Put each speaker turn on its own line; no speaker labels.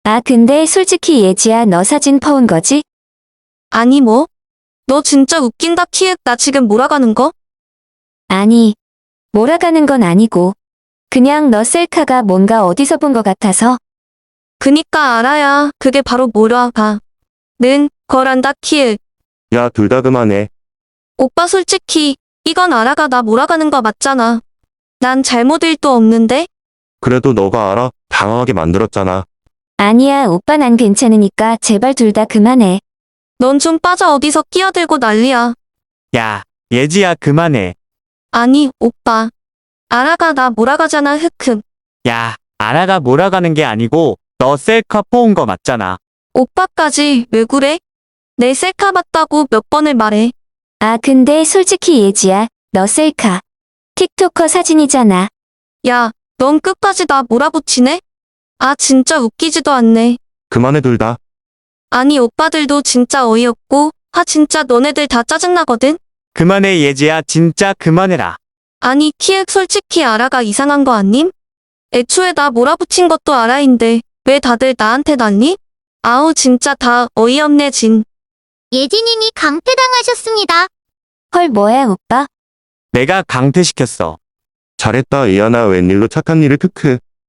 아, 근데 솔직히 예지야, 너 사진 퍼온 거지?
아니 뭐? 너 진짜 웃긴다 키읔. 나 지금 몰아가는 거?
아니, 몰아가는 건 아니고. 그냥 너 셀카가 뭔가 어디서 본 것 같아서.
그니까 알아야 그게 바로 몰아가. 는 거란다 키읔.
야, 둘 다 그만해.
오빠 솔직히 이건 아라가 나 몰아가는 거 맞잖아. 난 잘못 일도 없는데?
그래도 너가 알아. 당황하게 만들었잖아.
아니야, 오빠 난 괜찮으니까 제발 둘 다 그만해.
넌 좀 빠져. 어디서 끼어들고 난리야.
야, 예지야 그만해.
아니 오빠. 아라가 나 몰아가잖아. 흑흑.
야, 아라가 몰아가는 게 아니고 너 셀카 퍼온 거 맞잖아.
오빠까지 왜 그래? 내 셀카 봤다고 몇 번을 말해.
아, 근데 솔직히 예지야, 너 셀카. 틱토커 사진이잖아.
야, 넌 끝까지 나 몰아붙이네? 아 진짜 웃기지도 않네.
그만해, 둘 다.
아니 오빠들도 진짜 어이없고 진짜 너네들 다 짜증나거든?
그만해 예지야 진짜 그만해라.
아니 키읔 솔직히 아라가 이상한 거 아님? 애초에 나 몰아붙인 것도 아라인데 왜 다들 나한테 난리? 아우 진짜 다 어이없네 진.
예지님이 강퇴당하셨습니다.
헐, 뭐야, 오빠?
내가 강퇴시켰어.
잘했다, 이하나. 웬일로 착한 일을. 크크.